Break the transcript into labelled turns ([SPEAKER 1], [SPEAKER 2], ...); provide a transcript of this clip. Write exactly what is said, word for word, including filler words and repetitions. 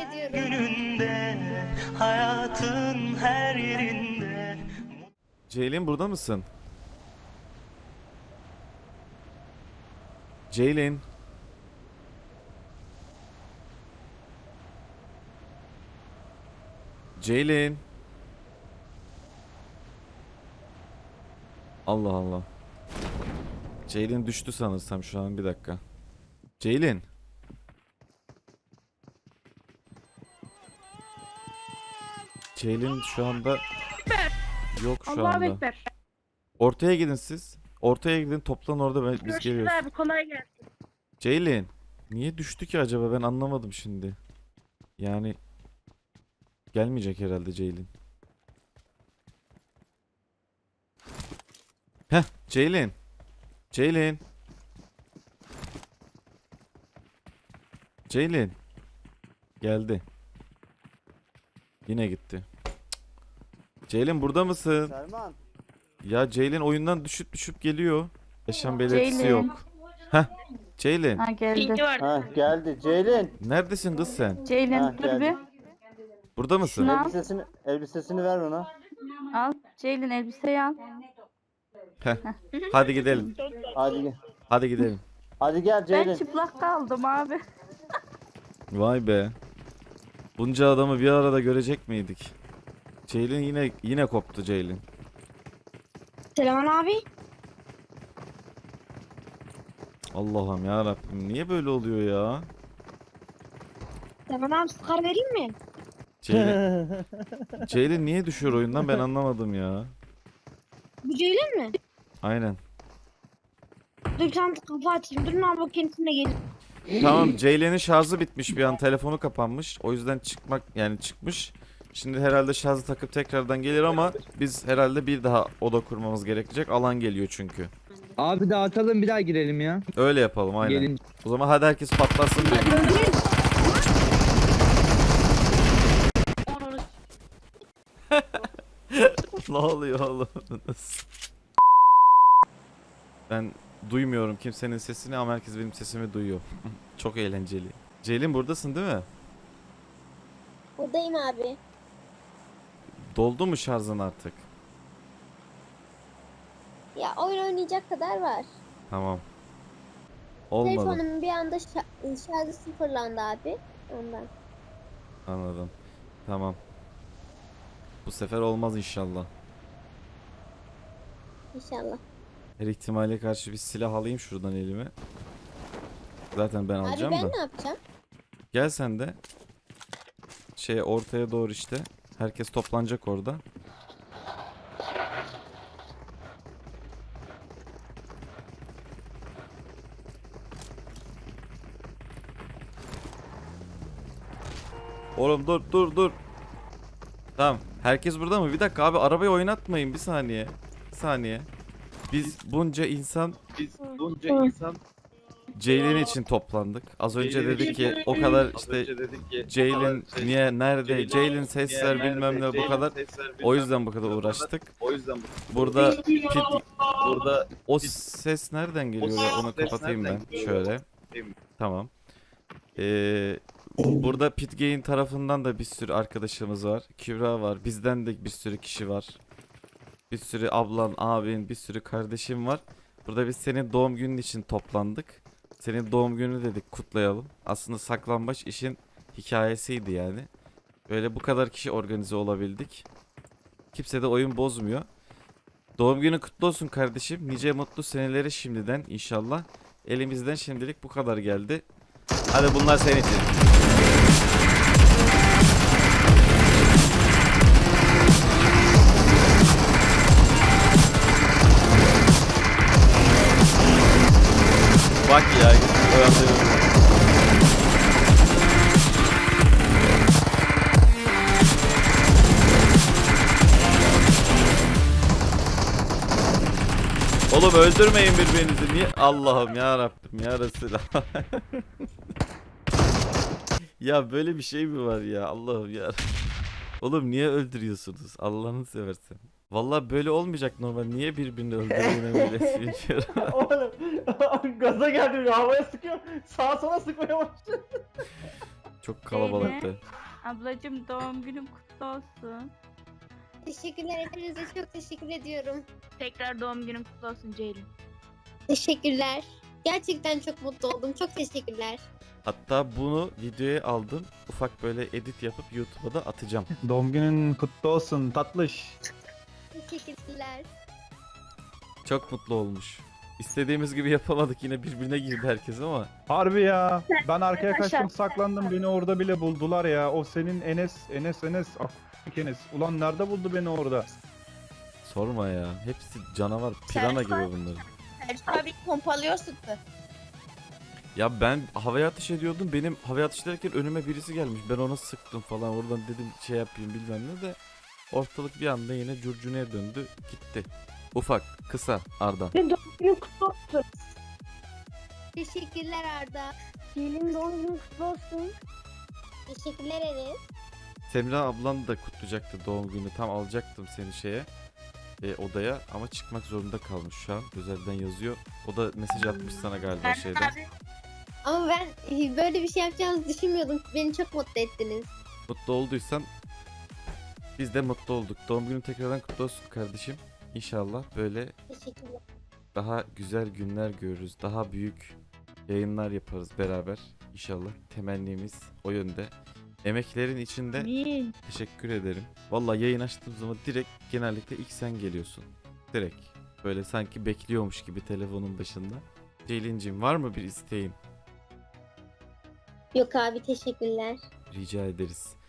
[SPEAKER 1] ediyorum.
[SPEAKER 2] Gününde, hayatın her yerinde.
[SPEAKER 3] Ceylin burada mısın? Ceylin. Ceylin. Allah Allah. Ceylin düştü sanırsam şu an, bir dakika. Ceylin. Ceylin şu anda yok şu
[SPEAKER 4] Allahu
[SPEAKER 3] anda.
[SPEAKER 4] Ekber.
[SPEAKER 3] Ortaya gidin siz. Ortaya gidin, toplan orada, ben, biz
[SPEAKER 4] Görüşürüz
[SPEAKER 3] geliyoruz.
[SPEAKER 4] abi, kolay gelsin.
[SPEAKER 3] Ceylin. Niye düştü ki acaba, ben anlamadım şimdi. Yani gelmeyecek herhalde Ceylin. Heh, Ceylin. Ceylin. Ceylin. Geldi. Yine gitti. Cık. Ceylin burada mısın?
[SPEAKER 5] Selman.
[SPEAKER 3] Ya Ceylin oyundan düşüp düşüp geliyor. Yaşam belirtisi
[SPEAKER 6] Ceylin.
[SPEAKER 3] yok. Heh. Ceylin.
[SPEAKER 6] Ha geldi.
[SPEAKER 4] Bilgi var.
[SPEAKER 5] Ha geldi. Ceylin.
[SPEAKER 3] Neredesin kız sen?
[SPEAKER 6] Ceylin
[SPEAKER 5] Ha,
[SPEAKER 6] dur
[SPEAKER 5] geldi.
[SPEAKER 6] bir.
[SPEAKER 3] Burada mısın?
[SPEAKER 6] Şunu al.
[SPEAKER 5] Elbisesini elbisesini ver ona.
[SPEAKER 6] Al. Ceylin elbiseyi al.
[SPEAKER 3] Heh. Hadi gidelim.
[SPEAKER 5] Hadi gel.
[SPEAKER 3] Hadi gidelim.
[SPEAKER 5] Hadi gel
[SPEAKER 6] Ben
[SPEAKER 5] Ceylin.
[SPEAKER 6] çıplak kaldım abi.
[SPEAKER 3] Vay be. Bunca adamı bir arada görecek miydik? Ceylin yine yine koptu Ceylin.
[SPEAKER 1] Selaman abi.
[SPEAKER 3] Allah'ım ya Rabbim, niye böyle oluyor ya?
[SPEAKER 1] Selaman abi sıkar vereyim mi?
[SPEAKER 3] Ceylin, Ceylin niye düşüyor oyundan, ben anlamadım ya.
[SPEAKER 1] Bu Ceylin mi?
[SPEAKER 3] Aynen.
[SPEAKER 1] Dur bir tane kafa açayım. Durun abi o kendisine gelir.
[SPEAKER 3] Tamam, Ceylin'in şarjı bitmiş bir an, telefonu kapanmış. O yüzden çıkmak yani çıkmış. Şimdi herhalde şarjı takıp tekrardan gelir ama biz herhalde bir daha oda kurmamız gerekecek. Alan geliyor çünkü.
[SPEAKER 7] Abi dağıtalım, bir daha girelim ya.
[SPEAKER 3] Öyle yapalım aynen.
[SPEAKER 7] Gelin.
[SPEAKER 3] O zaman hadi herkes patlasın diyor. Ne oluyor oğlum? Ben duymuyorum kimsenin sesini ama herkes benim sesimi duyuyor. Çok eğlenceli. Ceylin buradasın değil mi?
[SPEAKER 1] Buradayım abi.
[SPEAKER 3] Doldu mu şarjın artık?
[SPEAKER 1] Ya oyun oynayacak kadar var.
[SPEAKER 3] Tamam. Olmadı.
[SPEAKER 1] Telefonumun bir anda şa- şarjı sıfırlandı abi. Ondan.
[SPEAKER 3] Anladım. Tamam. Bu sefer olmaz inşallah.
[SPEAKER 1] İnşallah.
[SPEAKER 3] Her ihtimale karşı bir silah alayım şuradan elime. Zaten ben
[SPEAKER 1] Abi
[SPEAKER 3] alacağım
[SPEAKER 1] ben
[SPEAKER 3] da.
[SPEAKER 1] ne yapacağım?
[SPEAKER 3] Gel sen de. Şey ortaya doğru işte. Herkes toplanacak orada. Oğlum dur dur dur. Tamam. Herkes burada mı? Bir dakika abi, arabayı oynatmayın, bir saniye. Bir saniye. Biz bunca insan
[SPEAKER 7] Biz bunca insan
[SPEAKER 3] Ceylin için toplandık. Az önce dedik ki o kadar işte Ceylin niye nerede? Ceylin sesler bilmem ne bu kadar. O yüzden bu kadar uğraştık.
[SPEAKER 7] O yüzden
[SPEAKER 3] Burada pit,
[SPEAKER 7] burada
[SPEAKER 3] o ses nereden geliyor ya? Onu kapatayım ben şöyle. Tamam. Ee, burada Pitgain tarafından da bir sürü arkadaşımız var. Kübra var. Bizden de bir sürü kişi var. Bir sürü ablan, abin, bir sürü kardeşim var. Burada biz senin doğum günün için toplandık. Senin doğum günü dedik kutlayalım. Aslında saklambaç işin hikayesiydi yani. Böyle bu kadar kişi organize olabildik. Kimse de oyun bozmuyor. Doğum günü kutlu olsun kardeşim. Nice mutlu seneleri şimdiden inşallah. Elimizden şimdilik bu kadar geldi. Hadi bunlar senin için. Bak ya, öğrendim. Oğlum öldürmeyin birbirinizi. Niye? Allah'ım ya Rabbim ya Resulallah. Ya böyle bir şey mi var ya? Allah'ım ya. Oğlum niye öldürüyorsunuz? Allah'ını seversen. Vallahi böyle olmayacak normal. Niye birbirini öldürüyorsun böyle bilmiyorum.
[SPEAKER 5] Oğlum gaza geldim ya, havaya sıkıyor. Sağa sola sıkmaya başladı.
[SPEAKER 3] Çok kalabalıktı.
[SPEAKER 6] Ablacım doğum günün kutlu olsun.
[SPEAKER 4] Teşekkürler, hepinize çok teşekkür ediyorum.
[SPEAKER 6] Tekrar doğum günün kutlu olsun Ceylin.
[SPEAKER 4] Teşekkürler. Gerçekten çok mutlu oldum. Çok teşekkürler.
[SPEAKER 3] Hatta bunu videoya aldım. Ufak böyle edit yapıp YouTube'a da atacağım.
[SPEAKER 8] Doğum günün kutlu olsun tatlış.
[SPEAKER 4] Teşekkürler.
[SPEAKER 3] Çok mutlu olmuş. İstediğimiz gibi yapamadık, yine birbirine girdi herkes ama
[SPEAKER 8] Harbi ya. Ben arkaya
[SPEAKER 6] Aşağı.
[SPEAKER 8] kaçtım saklandım beni orada bile buldular ya. O senin Enes, Enes, Enes. Afk Enes. Ulan nerede buldu beni orada?
[SPEAKER 3] sorma ya. Hepsi canavar, pirana gibi bunlar.
[SPEAKER 9] Selçuk abi pompalıyorsun da.
[SPEAKER 3] Ya ben havaya ateş ediyordum. Benim havaya ateş ederken önüme birisi gelmiş. Ben ona sıktım falan. Oradan dedim şey yapayım bilmem ne de. Ortalık bir anda yine curcunaya döndü. Gitti. Ufak, kısa, Arda.
[SPEAKER 1] Ve doğum günün kutlu olsun.
[SPEAKER 4] Teşekkürler Arda.
[SPEAKER 1] Ceylin doğum günün kutlu olsun.
[SPEAKER 4] Teşekkürler Enes.
[SPEAKER 3] Semra ablan da kutlayacaktı doğum günü. Tam alacaktım seni şeye. E, odaya ama çıkmak zorunda kalmış şu an. Özelden yazıyor. O da mesaj atmış sana galiba şeyden.
[SPEAKER 6] Abi
[SPEAKER 4] Ama ben e, böyle bir şey yapacağınızı düşünmüyordum. Beni çok mutlu ettiniz.
[SPEAKER 3] Mutlu olduysan biz de mutlu olduk. Doğum günün tekrardan kutlu olsun kardeşim. İnşallah böyle
[SPEAKER 4] Teşekkürler.
[SPEAKER 3] daha güzel günler görürüz. Daha büyük yayınlar yaparız beraber. İnşallah temennimiz o yönde. Emeklerin içinde
[SPEAKER 6] amin.
[SPEAKER 3] teşekkür ederim. Vallahi yayın açtığım zaman direkt genellikle ilk sen geliyorsun. Direkt. Böyle sanki bekliyormuş gibi telefonun başında. Ceylin'cim var mı bir isteğin?
[SPEAKER 4] Yok abi, teşekkürler.
[SPEAKER 3] Rica ederiz.